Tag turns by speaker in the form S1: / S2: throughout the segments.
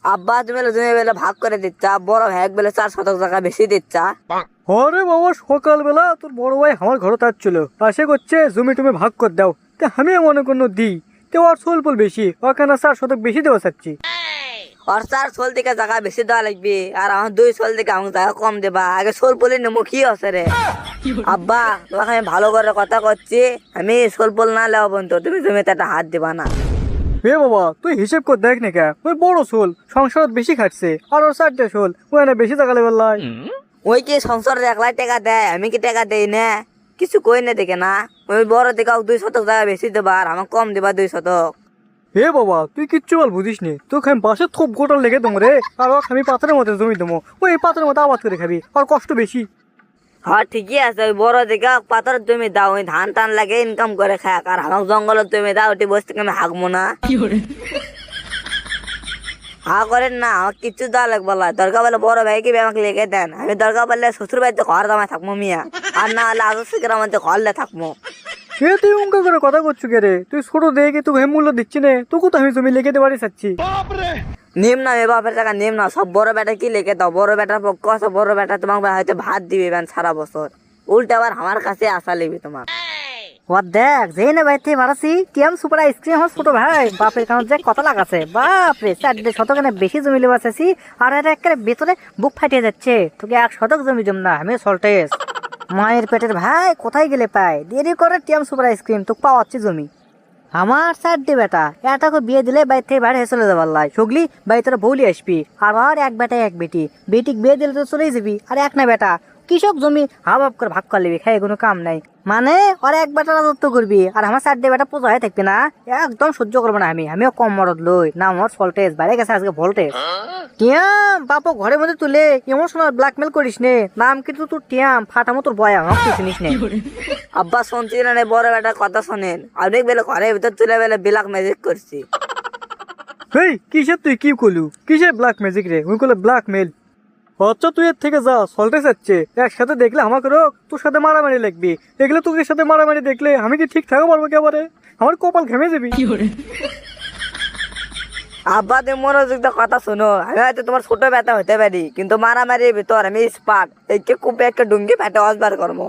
S1: আব্বা তুমি বেলে ভাগ করে দিচ্ছা, বড় ভাই বেলে 4 শতক টাকা বেশি দিচ্ছা।
S2: আরে বাবা, সকালবেলা তোর বড় ভাই আমার ঘরে তাচ্ছিল, আসে করছে জমি টুমি ভাগ করে দাও। তা আমি মনে কোনো দিই, তো ওর সোলপুল বেশি, ওখানে 4 শতক বেশি দেওয়া চাচ্ছি।
S1: আর 4 শোল থেকে টাকা বেশি দেওয়া লাগবে, আর আমার 2 শোল থেকে আমাকে টাকা কম দেবা। আগে শোল পলি নেবো কি আছে রে? আব্বা তোমাকে আমি ভালো করে কথা করছি, আমি শোল পল না লেওয়া পর্যন্ত তুমি জমিতে একটা হাত দিবা না।
S2: এ বাবা, তুই হিসেব করে দেখ না কে, ওই বড় শোল সংসার বেশি খাটছে, আর ওর 4টে শোল ওখানে বেশি টাকা লেবার লাই।
S1: ওই কি সংসার একলাই টাকা দেয়, আমি কি টাকা দেই না? কিছু কই না দেখে না, ওই বড় থেকে 2 শতক টাকা বেশি দেবা আর আমার কম দেবা 2 শতক।
S2: হে বাবা, তুই কিচ্ছু বল বুঝিস নি, তোকে আমি বাসে থোপ গোটাল লেগে দেবো রে, আর ওকে আমি পাথরের মধ্যে জমি দেবো, ওই পাথরের মধ্যে আবাদ করে খাবি, আর কষ্ট বেশি।
S1: হ্যাঁ ঠিকই আছে, ওই বড় দিকে পাথরের জমি দাও, ওই ধান টান লাগে ইনকাম করে খাক, আর আমার জঙ্গলের জমি দাও, ওটি বসে থেকে আমি হাঁকবো না। হা করেন না, আমার কিচ্ছু দেওয়া লাগবে না। দরকার বলে বড় ভাইকে আমাকে লেগে দেন, আমি দরকার বললে শ্বশুর বাড়িতে ঘর দামায় থাকবো মিয়া, আর না হলে আদর্শের মধ্যে ঘরলে থাকবো।
S2: এ তুই উনকা করে কথা করছু কে রে? তুই ছোট দেখে তুই মূল্য দিচ্ছি নে, তোকে তো আমি জমি লেগে দেবারই চাচ্ছি।
S1: নিম না এ বাপের টাকা নিম না, সব বড় বেটা কি লেগে দাও, বড় বেটার পক্ষ আছে, বড় বেটা তোমাকে হয়তো ভাত দিবে সারা বছর, উল্টা আবার আমার কাছে আশা লিবি তোমার।
S3: ও দেখ, যেই না বাইতে মারাছি টিএম সুপার আইসক্রিম আমার ছোট ভাই বাপের কারণ যে কত লাগাছে, বাপরে 4 শতক বেশি জমি লেবা চাইছি, আর এটা একেবারে ভেতরে বুক ফাটিয়ে যাচ্ছে। তোকে 1 শতক জমি জম না, আমি সল্টেস মায়ের পেটের ভাই কোথায় গেলে পাই, দেরি করে টিএম সুপার আইসক্রিম তোকে পাওয়াচ্ছি জমি। আমার 4টে বেটা, এটাকে বিয়ে দিলে বাইর থেকে বাইরে চলে যাবার লাই, সগলি বাড়ি তোরা বৌলি আসবি, আর এক বেটা এক বেটি, বেটিক বিয়ে দিলে তো চলেই যাবি, আর এক না বেটা কৃষক জমি হাবাব করে ভাগ করে নিবি, খাই কোনো কাম নাই। মানে ওর এক বেটা রাজত্ব করবি, আর আমার 4টে বেটা পোজা হয়ে থাকবি না, একদম সহ্য করবো না আমিও কম মরদ লই না, আমার ভোল্টেজ বাইরে গেছে আজকে ভোল্টেজ। টিয়াম বাপু ঘরের মধ্যে তুলে ইমোশনাল ব্ল্যাকমেল করিস নে, নাম কিন্তু তোর টিয়াম ফাটামো তোর বয়া, আমাকে চিনিস নে।
S1: আব্বা শুনছি না বড় বেটার কথা শোনেন, অনেক বেলে ঘরের ভিতর তুলে বেলে বিলাক ম্যাজিক করছি।
S2: হেই কিসের তুই কি করলু, কিসের ব্ল্যাক ম্যাজিক রে? ওই করলে ব্ল্যাকমেল। আচ্ছা তুই এর থেকে যা, সল্টে যাচ্ছে একসাথে দেখলে আমাকে রোগ, তোর সাথে মারামারি লাগবি, এগুলো তোর সাথে মারামারি দেখলে আমি কি ঠিক থাকতে পারবো একেবারে? আমার কপাল ঘেমে যাবি।
S1: আব্বা তুমি মনোযোগ দিয়ে কথা শোনো, আমি হয়তো তোমার ছোট ব্যথা হতে পারি, কিন্তু মারামারির ভিতর আমি স্পার্ট, একে কুপে একটা ডুঙ্গি ফেটে অসবার করবো।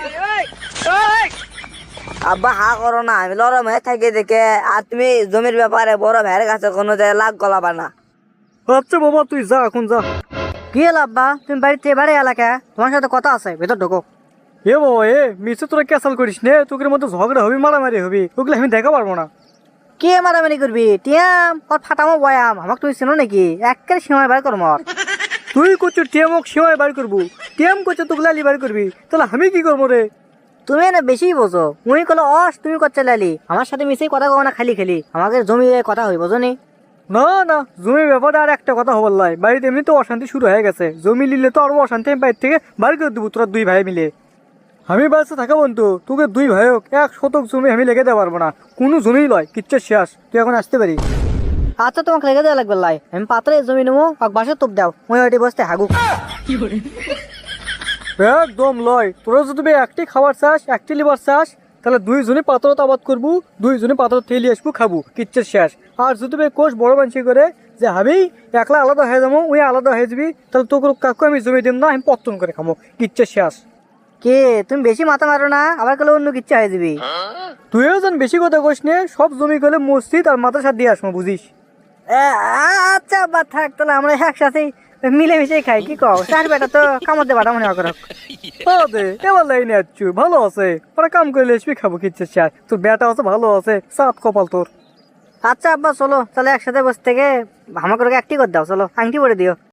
S1: আব্বা হা করো না, আমি লরম হয়ে থাকি দেখে, আর তুমি জমির ব্যাপারে বড় ভাইয়ের কাছে কোনো জায়গায় লাগ গলাবা না।
S2: আচ্ছা বাবা তুই যা, এখন যা।
S3: কি হলো আব্বা, তুমি বাড়িতে বাড়ি এলাকা, তোমার সাথে কথা আছে, ভেতর ঢোকো।
S2: এ বাবা এ মিছে তোরা ক্যাসাল করিস নে, তোকের মধ্যে ঝগড়া হবি মারামারি হবি, ওগুলো আমি দেখা পারবো না।
S3: কে মারামারি করবি? টিয়াম ওর ফাটামো বয়াম, আমাকে তুমি চিনো নাকি? একের সীমায় বার করো মর।
S2: তুই করছো টিএমক সীমায় বার করবো, টিএম করছো তোকে লালি বার করবি, তাহলে আমি কি করবো রে?
S3: তুমি না বেশি বোঝো, উনি কলো অস তুমি করছে লালি, আমার সাথে মিশে কথা কও না, খালি খালি আমাকে জমি কথা হই বোঝো নি?
S2: না না, জমি ব্যাপারে আর একটা কথা হবার লাই, বাড়িতে এমনি তো অশান্তি শুরু হয়ে গেছে, জমি নিলে তো আরো অশান্তি, আমি বাড়ি থেকে বার করে দেবো তোরা 2 ভাই মিলে। আমি বাড়িতে থাকা বন্ধু, তোকে 2 ভাই হোক 1 শতক জমি আমি লেগে দিতে পারবো না, কোনো জমি লয়, কিচ্ছু শেষ, তুই এখন আসতে পারি।
S3: আচ্ছা তোমাকে লেগে দেওয়া লাগবে লাই, আমি পাত্রে জমি নেবো, আর বাসে তোপ দাও, ওই ওইটি বসতে হাগু।
S2: একদম লয়, তোরা যদি একটি খাবার চাস, একটি লিবার চাস, তাহলে 2 জনে পাথরত আবাদ করবো, 2 জনে পাথর তেলি আসবো খাবো, কিচ্ছু শেষ। আর যদি কোষ বড় মানসি করে যে আমি একলা আলাদা হয়ে যাবো, ওই আলাদা হয়ে যাবি, তাহলে তোকে কাকু আমি জমি দিম না, আমি পত্তন করে খাবো, কিচ্ছু শেষ।
S3: কে তুমি বেশি মাথা মারো না, আবার কলে অন্য কিচ্ছু হয়ে যাবি।
S2: তুইও যেন বেশি কথা কোষ নে, সব জমি গেলে মসজিদ আর মাদ্রাসা দিয়ে আসবো, বুঝিস?
S3: আচ্ছা বা থাক, তাহলে আমরা একসাথেই মিলেমিশে খাই, কি কও? 4 বেটা তো কামড়তে বাটা মনে করো।
S2: দে এবার লাইনে আসছু, ভালো আছে, ওরা কাম করলে আসবি খাবো, কিচ্ছু শেষ। তোর বেটা আছে ভালো আছে, সাত কপাল তোর।
S3: আচ্ছা আব্বা চলো, তাহলে একসাথে বসে থেকে আমাকে একটি করে দাও, চলো আংটি পরে দিও।